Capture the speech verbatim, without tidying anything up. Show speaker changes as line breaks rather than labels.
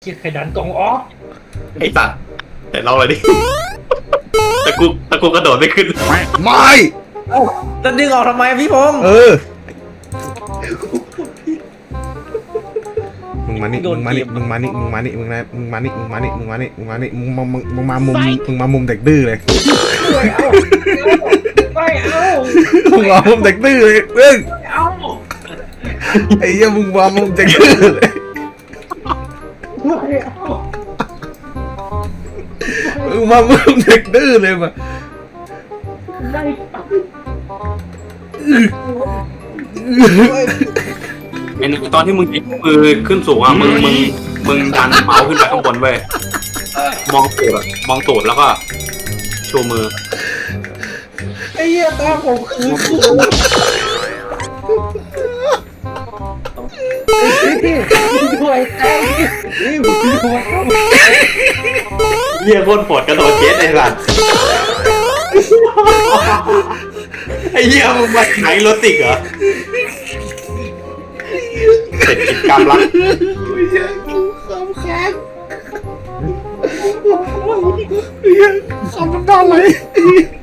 จิตไข่ดันกล่องออก
ไอ้สัตว์แต่เราเลยดิตะกุกตะกุกกระโดดไม่ขึ้น
ไม่
จะดึงออกทำไมพี่พงษ์
เออมึงมานี่มึงมานี่มึงมานี่มึงมานี่มึงนะมึงมานี่มึงมานี่มึงมานี่มึงมานี่มึงมามึงมึงมามุมมึงมามุมเด็กดื้อเลย
ไม่เอา
มึงมามุมเด็กดื้อเลยเรื่อง
ไม่เอา
ไอ้เหี้ยมึงมามุมเด็กดื้อเลย
ไม่เอา
มึงมามุมเด็กดื้อเลยมา
ไม่เอา
ไอ้หนึ่งตอนที่มึงยกมือขึ้นสูงอ่ะมึงมึงมึงดันเมาส์ขึ้นไปข้างบนเว้ยมองตูดอะมองตูดแล้วก็ชูมือ
ไอ้เหี้ยตาผมคือด้วยไอ้นี่ผมด้วย
เยี่ยโคตรปวดกระโดดเจ็ตไอ้สัตว์ไอ้เหี้ยมึงมาไหนรถติกเหรอเสร็จกิจกรรมละ
ไม่ใช่กูคำค้างไอ้เหี้ยคำน้ำตาไหล